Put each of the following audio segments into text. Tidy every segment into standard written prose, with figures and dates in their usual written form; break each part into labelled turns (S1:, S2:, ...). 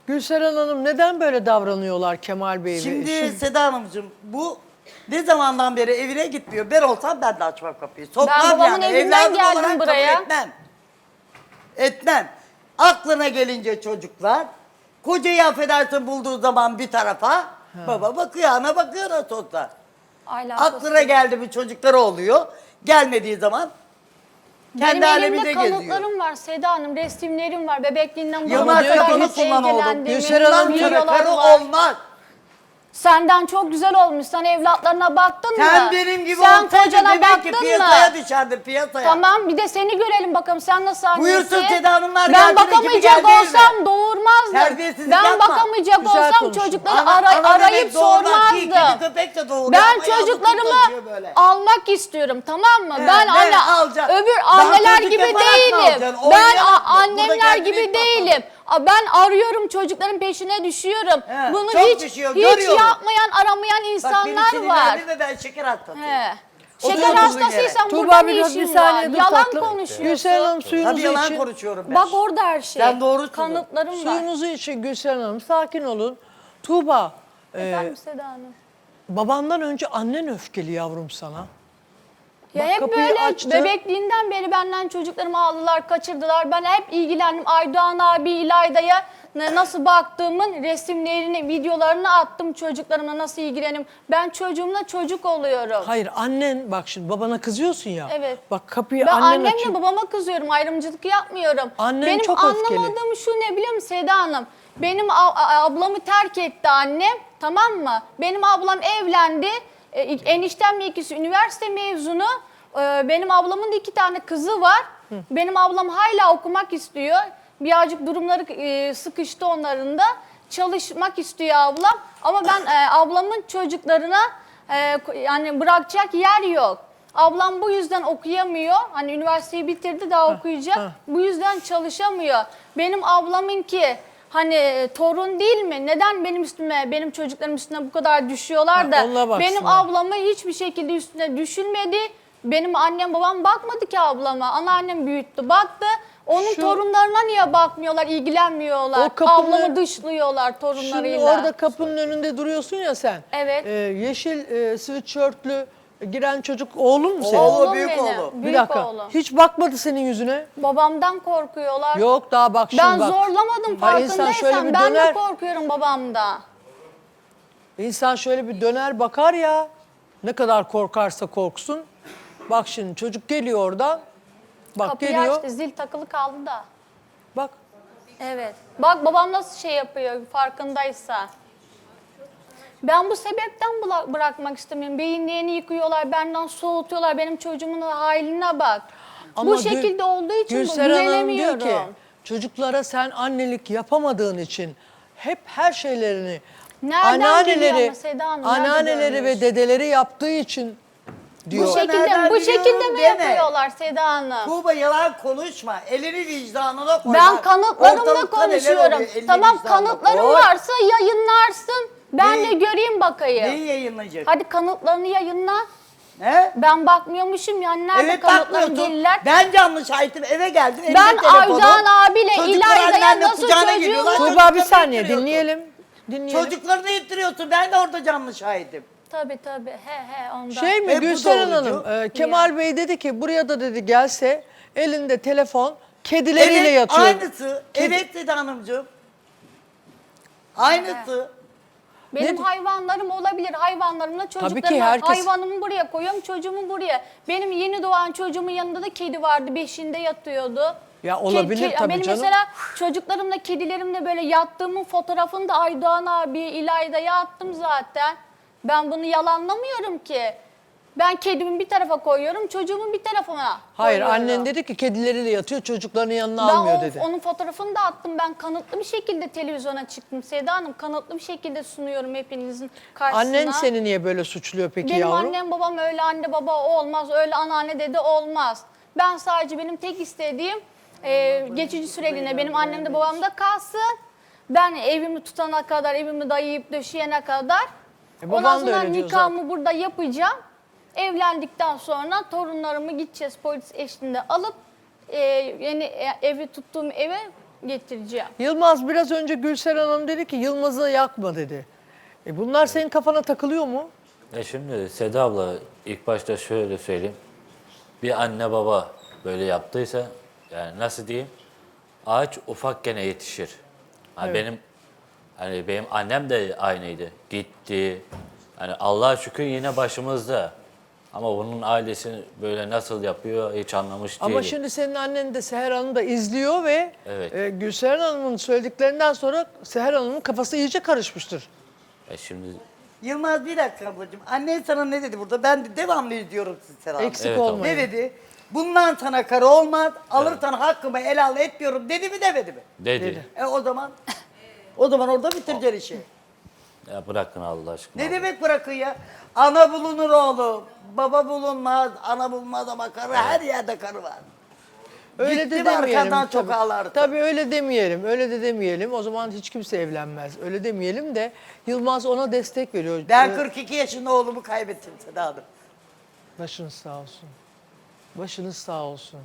S1: Gülseren Hanım neden böyle davranıyorlar Kemal Bey?
S2: Şimdi Seda Hanımcığım bu ne zamandan beri evine gitmiyor. Ben olsam ben de açmam kapıyı. Sokmam
S3: Ben babamın
S2: yani.
S3: evinden
S2: Evladım
S3: geldim
S2: olarak
S3: buraya.
S2: kabul etmem. Etmem. Aklına gelince çocuklar, kocayı affedersin bulduğu zaman bir tarafa, baba bakıyor, ana bakıyor nasıl olsa. Aklına geldi mi çocukları oluyor. Gelmediği zaman kendi
S3: Benim
S2: aleminde
S3: elimde
S2: geziyor.
S3: kanıtlarım var Seda Hanım, resimlerim var. Bebekliğinden bu
S2: Yılmaz
S3: zamana kadar
S2: kafanı
S3: nasıl
S2: kullan oğlum.
S3: ilgilendiğimi,
S1: Gülseren Hanım,
S3: videolar
S2: Karı
S3: var.
S2: olmaz.
S3: Senden çok güzel olmuş. Sen evlatlarına baktın mı?
S2: Sen benim gibi
S3: Sen
S2: olsaydın
S3: kocana
S2: demek ki
S3: baktın mı?
S2: piyasaya düşerdin piyasaya.
S3: Tamam, bir de seni görelim bakalım sen nasıl annesi.
S2: Buyursun Seda Hanımlar,
S3: Ben
S2: geldi, ekibi
S3: bakamayacak
S2: geldi evime.
S3: olsam doğurmazdım.
S2: Terbiyesizlik
S3: Ben
S2: yapma.
S3: bakamayacak
S1: Güzel
S3: olsam
S1: konuşun.
S3: çocukları
S2: Ana
S3: arayıp
S2: bebek doğurmaz ki,
S3: sormazdım.
S2: kedi köpek de doğuruyor
S3: Ben
S2: ama yavru
S3: çocuklarımı
S2: kaçıyor böyle.
S3: almak istiyorum, tamam mı?
S2: He,
S3: Ben
S2: ne alacaksın?
S3: öbür
S2: Daha
S3: anneler
S2: çocuk
S3: gibi
S2: yaparak mı
S3: değilim.
S2: alacaksın?
S3: Ben
S2: Oynayarak mı? Burada
S3: annemler
S2: kendini
S3: gibi
S2: ispatla.
S3: değilim. Ben arıyorum, çocukların peşine düşüyorum.
S2: He,
S3: Bunu
S2: çok
S3: hiç
S2: düşüyor,
S3: hiç
S2: görüyorum.
S3: yapmayan, aramayan
S2: Bak beni
S3: insanlar var.
S2: sinirlendirme, ben şeker hastasıyım.
S3: He.
S2: Otur
S3: Şeker
S2: oturduğun
S3: hastasıysan
S1: Tuğba
S3: burada ne
S1: biraz bir
S3: işin
S1: saniye
S3: var?
S1: dur
S3: Yalan
S1: tatlım.
S3: konuşuyorsun.
S1: Gülseren Hanım suyunuzu
S2: Tabii yalan
S1: için.
S2: konuşuyorum ben.
S3: Bak orada her şey.
S2: Sen doğrusun.
S3: Kanıtlarım var.
S1: Suyunuzu için Gülseren Hanım sakin olun. Tuğba
S3: Efendim Seda Hanım.
S1: babandan önce annen öfkeli yavrum sana.
S3: Ya
S1: Bak,
S3: hep
S1: kapıyı
S3: böyle
S1: açtı.
S3: bebekliğinden beri benden çocuklarımı aldılar, kaçırdılar. Ben hep ilgilendim. Aydoğan abi, İlayda'ya nasıl baktığımın resimlerini, videolarını attım çocuklarımla nasıl ilgilenim. Ben çocuğumla çocuk oluyorum.
S1: Hayır annen bak şimdi babana kızıyorsun ya.
S3: Evet.
S1: Bak kapıyı
S3: Ben
S1: annen
S3: annemle
S1: açıyor.
S3: babama kızıyorum, ayrımcılık yapmıyorum.
S1: Annen
S3: Benim
S1: çok öfkeli.
S3: anlamadığım şu ne biliyor musun Seda Hanım? Benim ablamı terk etti annem, tamam mı? Benim ablam evlendi, eniştemle ikisi üniversite mezunu. Benim ablamın da 2 tane kızı var. Benim ablam hala okumak istiyor. Birazcık durumları sıkıştı onların da. Çalışmak istiyor ablam. Ama ben ablamın çocuklarına yani bırakacak yer yok. Ablam bu yüzden okuyamıyor. Hani üniversiteyi bitirdi daha okuyacak. Bu yüzden çalışamıyor. Benim ablamınki hani torun değil mi? Neden benim üstüme, benim çocuklarım üstüne bu kadar düşüyorlar
S1: Ha,
S3: da
S1: ona baksınlar.
S3: benim ablamı hiçbir şekilde üstüne düşülmedi. Benim annem babam bakmadı ki ablama. Anneannem büyüttü, baktı. Onun
S1: Şu-
S3: torunlarına niye bakmıyorlar, ilgilenmiyorlar?
S1: O kapının-
S3: Ablamı dışlıyorlar torunlarıyla.
S1: Şimdi orada kapının önünde duruyorsun ya sen.
S3: Evet.
S1: Yeşil sweatshirtlü giren çocuk oğlun mu senin?
S2: Oğlum. büyük
S3: benim,
S2: oğlu.
S1: Bir
S3: büyük
S1: dakika.
S3: oğlum.
S1: Hiç bakmadı senin yüzüne.
S3: Babamdan korkuyorlar.
S1: Yok daha bak şimdi
S3: Ben
S1: bak.
S3: zorlamadım
S1: Ha, insan şöyle
S3: farkındaysan.
S1: bir
S3: Ben
S1: döner.
S3: de korkuyorum babamda.
S1: İnsan şöyle bir döner bakar ya. Ne kadar korkarsa korksun. Bak şimdi çocuk geliyor oradan. Bak
S3: Kapıyı
S1: geliyor.
S3: açtı, zil takılı kaldı da.
S1: Bak.
S3: Evet. Bak babam nasıl şey yapıyor farkındaysa. Ben bu sebepten bırakmak istemiyorum. Beyinlerini yıkıyorlar, benden soğutuyorlar. Benim çocuğumun haline bak.
S1: Ama
S3: bu şekilde olduğu için
S1: Gülseren Hanım diyor
S3: güvenemiyorum.
S1: ki çocuklara sen annelik yapamadığın için hep her şeylerini
S3: Nereden geliyor ama Seda Hanım, nerede
S1: anneanneleri
S3: görmüş?
S1: ve dedeleri yaptığı için diyor.
S3: Bu şekilde,
S2: nereden
S3: bu şekilde
S2: biliyorum
S3: mi
S2: deme.
S3: yapıyorlar Seda Hanım?
S2: Tuğba yalan konuşma. Elini vicdanına koy.
S3: Ben
S2: Bak,
S3: kanıtlarımla
S2: ortalıkta neler
S3: konuşuyorum.
S2: oluyor, elini
S3: Tamam,
S2: vicdanına
S3: kanıtların
S2: koy.
S3: varsa yayınlarsın. Ben
S2: Neyi-
S3: de göreyim bakayım.
S2: Neyi yayınlayacak?
S3: Hadi kanıtlarını yayınla.
S2: He?
S3: Ben bakmıyormuşum yani, nerede
S2: Evet
S3: kanıtların
S2: bakmıyorsun.
S3: deliller?
S2: Ben canlı şahitim, eve geldim. elimde
S3: Ben
S2: telefonum.
S3: Aydoğan abiyle
S2: Çocuklar
S3: İlayda'ya
S2: annenle
S3: nasıl
S2: kucağına
S3: çocuğumu-
S2: geliyorlar,
S1: Tuğba bir
S2: çocuklarını
S1: saniye
S2: ittiriyorsun.
S1: dinleyelim.
S2: Çocuklarını ittiriyorsun, ben de orada canlı şahidim.
S3: Tabii. He ondan.
S1: Şey mi
S2: Hep bu
S1: Gülseren
S2: doğrucu.
S1: Hanım, Kemal Bey dedi ki buraya da dedi gelse elinde telefon kedileriyle
S2: Evet,
S1: yatıyor.
S2: aynısı. Evet dedi hanımcığım. Aynısı.
S3: Benim
S1: Ne-
S3: hayvanlarım olabilir. Hayvanlarımla
S1: ki
S3: çocuklarımı,
S1: herkes-
S3: hayvanımı buraya koyuyorum, çocuğumu buraya. Benim yeni doğan çocuğumun yanında da kedi vardı. 5'inde yatıyordu.
S1: Ya olabilir tabii
S3: Benim
S1: canım.
S3: mesela çocuklarımla, kedilerimle böyle yattığımın fotoğrafını da Aydoğan abiye, İlayda'ya attım zaten. Ben bunu yalanlamıyorum ki. Ben kedimi bir tarafa koyuyorum, çocuğumu bir tarafına
S1: Hayır
S3: koyuyorum.
S1: annen dedi ki kedileriyle yatıyor çocuklarının yanına
S3: Ben
S1: almıyor dedi.
S3: onun fotoğrafını da attım. Ben kanıtlı bir şekilde televizyona çıktım. Seda Hanım, kanıtlı bir şekilde sunuyorum hepinizin karşısına.
S1: Annen seni niye böyle suçluyor peki
S3: Benim
S1: yavrum?
S3: annem babam öyle anne baba olmaz, öyle anneanne dede olmaz. Ben sadece benim tek istediğim geçici süreliğine benim annem de babam da kalsın. Ben evimi tutana kadar, evimi dayayıp döşeyene kadar.
S1: baban
S3: Ondan
S1: da
S3: sonra
S1: öyle diyor
S3: nikahımı burada yapacağım. Evlendikten sonra torunlarımı gideceğiz polis eşliğinde alıp yeni evi tuttuğum eve getireceğim.
S1: Yılmaz biraz önce Gülseren Hanım dedi ki Yılmaz'ı yakma dedi. Bunlar senin kafana takılıyor mu?
S4: Şimdi Seda abla ilk başta şöyle söyleyeyim. Bir anne baba böyle yaptıysa yani nasıl diyeyim? Ağaç ufakken yetişir. Hani benim annem de aynıydı. Gitti. Hani Allah'a şükür yine başımızda. Ama bunun ailesi böyle nasıl yapıyor hiç anlamış değilim.
S1: Ama şimdi senin annen de Seher Hanım da izliyor ve
S4: Evet.
S1: Gülseren Hanım'ın söylediklerinden sonra Seher Hanım'ın kafası iyice karışmıştır.
S4: Şimdi
S2: Yılmaz bir dakika ablacığım. Annen sana ne dedi burada? Ben de devamlı izliyorum sizi Serap.
S1: Eksik
S4: Evet,
S1: olmayın.
S2: Ne dedi? Bundan sana karı olmaz. Alırsan hakkımı helal etmiyorum dedi mi demedi mi?
S4: dedi.
S2: O zaman orada bitireceksin işi.
S4: Ya bırakın Allah aşkına.
S2: Ne demek bırakın ya? Ana bulunur oğlum. Baba bulunmaz. Ana bulunmaz ama karı her yerde karı var.
S1: Öyle
S2: Gitti
S1: de
S2: mi
S1: demeyelim.
S2: arkandan çok
S1: tabii.
S2: ağlardı.
S1: Tabii öyle demeyelim. Öyle de demeyelim. O zaman hiç kimse evlenmez. Öyle demeyelim de Yılmaz ona destek veriyor.
S2: Ben 42 yaşında oğlumu kaybettim Seda Hanım.
S1: Başınız sağ olsun. Başınız sağ olsun.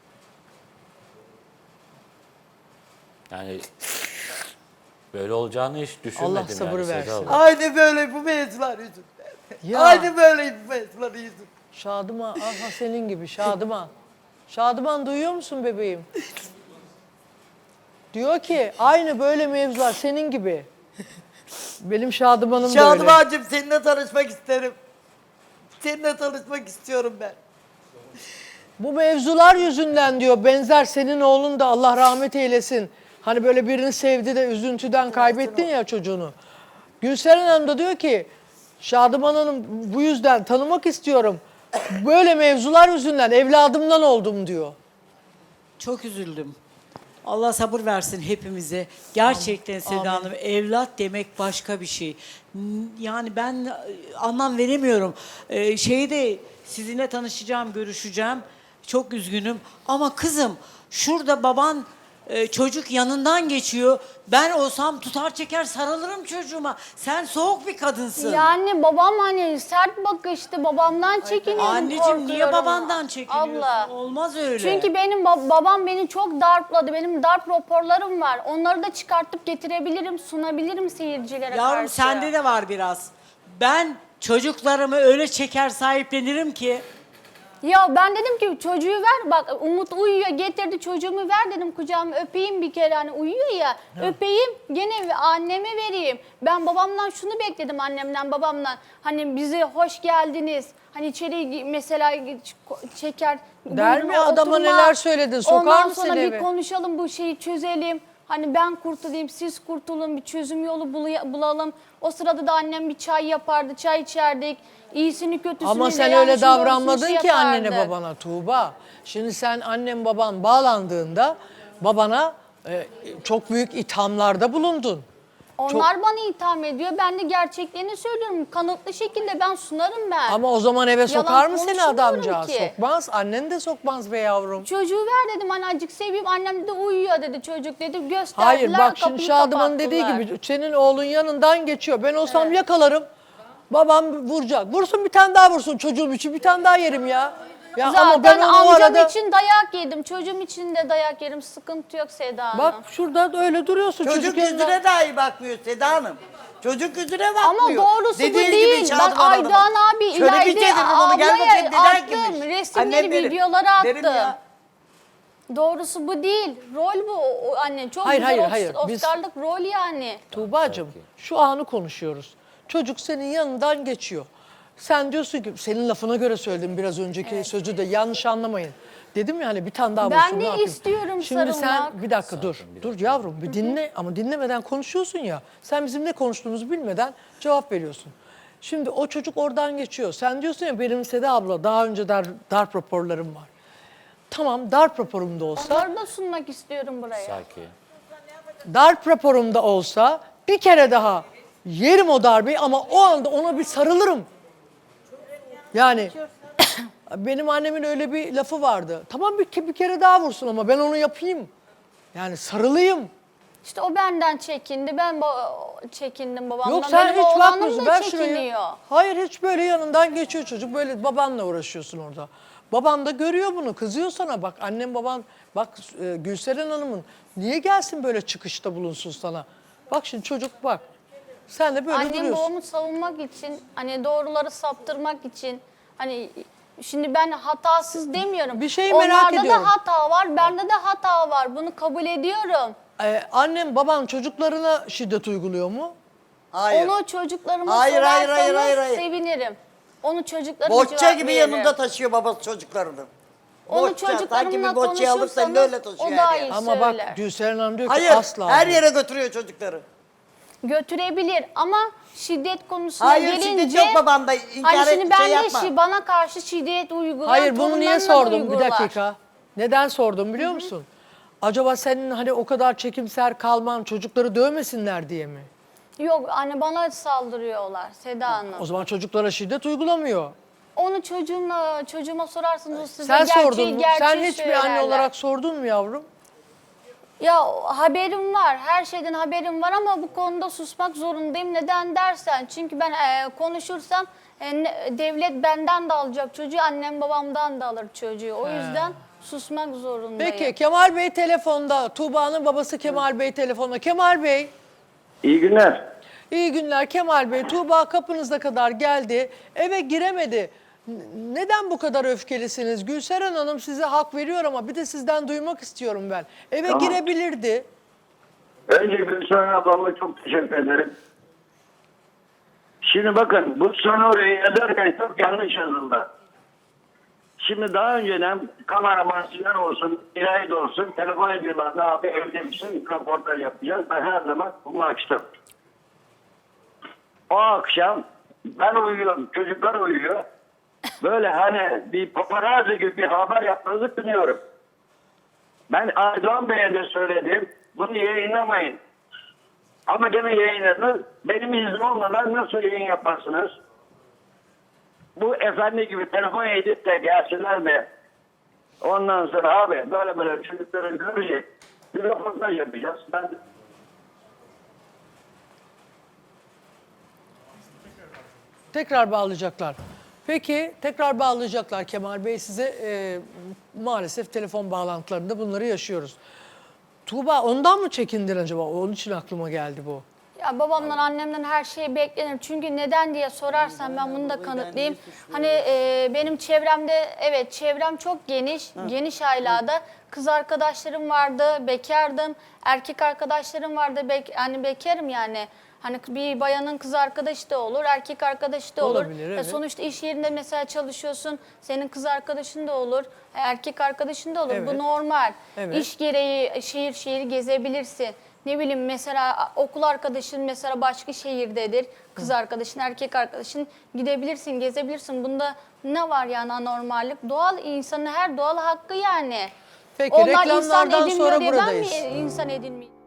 S4: Yani böyle olacağını hiç düşünmedim.
S1: Allah sabır
S4: yani Seda
S1: versin.
S4: abla.
S2: Aynı böyle bu mevzular yüzünden.
S1: Ya.
S2: Aynı böyle bu mevzular yüzünden.
S1: Şadıman, aha senin gibi Şadıman. Şadıman duyuyor musun bebeğim? Diyor ki aynı böyle mevzular senin gibi. Benim Şadıman'ım da öyle.
S2: Şadımancığım seninle tanışmak isterim. Seninle tanışmak istiyorum ben.
S1: Bu mevzular yüzünden diyor benzer senin oğlun da Allah rahmet eylesin. Hani böyle birini sevdi de üzüntüden kaybettin ya çocuğunu. Gülseren Hanım da diyor ki Şadıman Hanım bu yüzden tanımak istiyorum. Böyle mevzular yüzünden evladımdan oldum diyor.
S5: Çok üzüldüm. Allah sabır versin hepimize. Gerçekten Seda Hanım evlat demek başka bir şey. Yani ben anlam veremiyorum. Şeyde sizinle tanışacağım, görüşeceğim. Çok üzgünüm. Ama kızım şurada baban çocuk yanından geçiyor. Ben olsam tutar çeker sarılırım çocuğuma. Sen soğuk bir kadınsın.
S3: Yani babam hani sert bakıştı, babamdan çekiniyorum,
S5: Anneciğim niye
S3: korkuyorum.
S5: babandan çekiniyorsun?
S3: Abla.
S5: Olmaz öyle.
S3: Çünkü benim babam beni çok darpladı. Benim darp raporlarım var. Onları da çıkartıp getirebilirim, sunabilirim seyircilere
S5: Yavrum
S3: karşı.
S5: sende de var biraz. Ben çocuklarımı öyle çeker sahiplenirim ki.
S3: Ya ben dedim ki çocuğu ver, bak Umut uyuyor, getirdi çocuğumu ver dedim kucağıma öpeyim bir kere, hani uyuyor ya, öpeyim gene anneme vereyim. Ben babamdan şunu bekledim, annemden babamdan, hani bize hoş geldiniz, hani içeri mesela çeker.
S1: Der mi?
S3: buyurun,
S1: Adama
S3: oturma.
S1: neler söyledin, sokar
S3: Ondan
S1: mı
S3: sonra
S1: seni
S3: bir
S1: eve?
S3: konuşalım, bu şeyi çözelim. Hani ben kurtulayım, siz kurtulun, bir çözüm yolu bulalım. O sırada da annem bir çay yapardı, çay içerdik. İyisini kötüsünü
S1: Ama
S3: de
S1: sen
S3: yanlışını
S1: öyle
S3: doğrusunu
S1: davranmadın
S3: şey
S1: ki annene
S3: yapardı.
S1: babana Tuğba. Şimdi sen annen baban bağlandığında babana çok büyük ithamlarda bulundun.
S3: Onlar bana itham ediyor. Ben de gerçeklerini söylüyorum. Kanıtlı şekilde ben sunarım ben.
S1: Ama o zaman eve sokar mı seni
S3: konuşmuyorum
S1: adamcağız?
S3: ki.
S1: Sokmaz. Annen de sokmaz be yavrum.
S3: Çocuğu ver dedim, hani azıcık seveyim. Annem de uyuyor dedi çocuk dedi. Gösterdiler,
S1: Hayır bak şimdi
S3: kapıyı
S1: Şadıman'ın dediği
S3: kapattılar.
S1: gibi senin oğlun yanından geçiyor. Ben olsam yakalarım. Babam vuracak. Vursun bir tane daha vursun çocuğum için bir tane daha yerim ya. Ya
S3: Zaten
S1: ama ben onu o
S3: amcam
S1: arada...
S3: için dayak yedim. Çocuğum için de dayak yerim. Sıkıntı yok Seda Hanım.
S1: Bak şurada da öyle duruyorsun.
S2: Çocuk
S1: yanında-
S2: yüzüne dahi bakmıyor Seda Hanım. Çocuk yüzüne
S3: Ama
S2: bakmıyor.
S3: doğrusu bu
S2: Dediğin gibi
S3: değil.
S2: Şadıman
S3: Bak Aydoğan
S2: Hanım'a.
S3: abi
S2: Şöyle bir
S3: ileride
S2: şey dedim onu, gel
S3: ablaya
S2: bakayım neden
S3: attım.
S2: girmiş?
S3: Resimleri,
S2: Annem derim,
S3: videoları
S2: derim
S3: attım.
S2: ya.
S3: Doğrusu bu değil. Rol bu anne. Çok
S1: Hayır,
S3: güzel
S1: hayır. Biz-
S3: Oscar'lık rol yani.
S1: Tuğba'cığım şu anı konuşuyoruz. Çocuk senin yanından geçiyor. Sen diyorsun ki senin lafına göre söyledim biraz önceki sözü de yanlış anlamayın. Dedim ya hani bir tane daha
S3: Ben
S1: vursun,
S3: de
S1: ne yapayım?
S3: istiyorum
S1: Şimdi
S3: sarılmak.
S1: sen bir dakika dur. Dur yavrum bir dinle ama dinlemeden konuşuyorsun ya. Sen bizim ne konuştuğumuzu bilmeden cevap veriyorsun. Şimdi o çocuk oradan geçiyor. Sen diyorsun ya benim Seda abla daha önce darp raporlarım var. Tamam darp raporumda olsa,
S3: Onları da sunmak istiyorum buraya.
S4: Sakin.
S1: darp raporumda olsa bir kere daha yerim o darbeyi ama o anda ona bir sarılırım. Yani benim annemin öyle bir lafı vardı. Tamam bir kere daha vursun ama ben onu yapayım. Yani sarılayım.
S3: İşte o benden çekindi. Ben çekindim babamdan.
S1: Yok sen
S3: Benim
S1: hiç
S3: oğlanım
S1: bakmıyorsun.
S3: da
S1: Ver şurayı.
S3: çekiniyor.
S1: Hayır hiç böyle yanından geçiyor çocuk. Böyle babanla uğraşıyorsun orada. Baban da görüyor bunu, kızıyor sana. Bak annem baban, bak Gülseren Hanım'ın niye gelsin böyle çıkışta bulunsun sana? Bak şimdi çocuk bak. Sen de böyle
S3: Annem
S1: duruyorsun.
S3: babamı savunmak için, hani doğruları saptırmak için, hani şimdi ben hatasız demiyorum.
S1: Bir şeyi merak ediyorum.
S3: Onlarda da hata var, bende de hata var. Bunu kabul ediyorum.
S1: Annem baban çocuklarına şiddet uyguluyor mu?
S2: Hayır.
S3: Onu çocuklarıma
S2: Hayır, hayır,
S3: sorarsanız
S2: hayır.
S3: sevinirim. Onu çocuklarıma
S2: Bohça
S3: cevap
S2: gibi
S3: veririm.
S2: yanında taşıyor babası çocuklarını.
S3: Onu
S2: Bohça, sanki
S3: çocuklarımla
S2: bir bohçayı alırsan
S3: konuşursanız
S2: öyle taşıyor
S3: o
S2: her
S3: daha
S2: yere.
S3: iyi
S1: Ama
S3: söyler.
S1: bak Gülseren Hanım diyor ki
S2: Hayır,
S1: asla.
S2: her
S1: diyor.
S2: yere götürüyor çocukları.
S3: Götürebilir ama şiddet konusuna
S2: Hayır,
S3: gelince...
S2: şiddet yok babanda, inkar
S3: Hani şimdi
S2: et,
S3: ben
S2: şey
S3: de
S2: yapma.
S3: bana karşı şiddet uygulayan
S1: Hayır bunu niye
S3: torunlarına da
S1: sordum bir
S3: uygular.
S1: dakika. Neden sordum biliyor musun? Acaba senin hani o kadar çekimser kalman çocukları dövmesinler diye mi?
S3: Yok anne bana saldırıyorlar Seda Hanım.
S1: O zaman çocuklara şiddet uygulamıyor.
S3: Onu çocuğuma sorarsanız o size
S1: Sen sordun mu? Sen
S3: gerçeği
S1: hiçbir anne
S3: söylerler.
S1: olarak sordun mu yavrum?
S3: Ya haberim var, her şeyden haberim var ama bu konuda susmak zorundayım. Neden dersen, çünkü ben konuşursam devlet benden de alacak çocuğu, annem babamdan da alır çocuğu. O yüzden susmak zorundayım.
S1: Peki Kemal Bey telefonda. Tuğba'nın babası Kemal Bey telefonda. Kemal Bey.
S6: İyi günler.
S1: İyi günler Kemal Bey. Tuğba kapınıza kadar geldi. Eve giremedi. Neden bu kadar öfkelisiniz? Gülseren Hanım size hak veriyor ama bir de sizden duymak istiyorum ben. Eve
S6: Tamam.
S1: girebilirdi.
S6: Önce Gülşen ablama çok teşekkür ederim. Şimdi bakın bu senaryoyu yazarken çok yanlış yazıldı. Şimdi daha önceden kameraman Sinan olsun, İlayda olsun telefon ediyorlardı. Abi evde misin? Röportaj yapacağız. Ben her zaman bunu açtım. O akşam ben uyuyorum, çocuklar uyuyor. Böyle hani bir paparazzi gibi bir haber yapmanızı kınıyorum. Ben Aydoğan Bey'e de söyledim. Bunu yayınlamayın. Ama gene yayınladınız. Benim iznim olmadan nasıl yayın yaparsınız? Bu efendi gibi telefon edip de gelsinler de ondan sonra abi böyle çocukları görecek. Bir röportaj yapacağız. Ben
S1: Tekrar bağlayacaklar. Peki tekrar bağlayacaklar Kemal Bey size. Maalesef telefon bağlantılarında bunları yaşıyoruz. Tuğba ondan mı çekindin acaba? Onun için aklıma geldi bu.
S3: Ya babamdan annemden her şey beklenir. Çünkü neden diye sorarsan ben bunu da kanıtlayayım. Hani benim çevremde evet çevrem çok geniş. Geniş ailada kız arkadaşlarım vardı, bekardım. Erkek arkadaşlarım vardı, hani bekarım yani. Hani bir bayanın kız arkadaşı da olur, erkek arkadaşı da olur.
S1: Olabilir, evet.
S3: Sonuçta iş yerinde mesela çalışıyorsun, senin kız arkadaşın da olur, erkek arkadaşın da olur.
S1: Evet.
S3: Bu normal.
S1: Evet.
S3: İş gereği şehir şehir gezebilirsin. Ne bileyim mesela okul arkadaşın mesela başka şehirdedir. Kız arkadaşın, erkek arkadaşın gidebilirsin, gezebilirsin. Bunda ne var yani anormallik? Doğal insanın her doğal hakkı yani.
S1: Peki
S3: Onlar insan
S1: reklamlardan
S3: edinmiyor
S1: sonra
S3: diye ben
S1: buradayız.
S3: mi insan edinmeyeyim?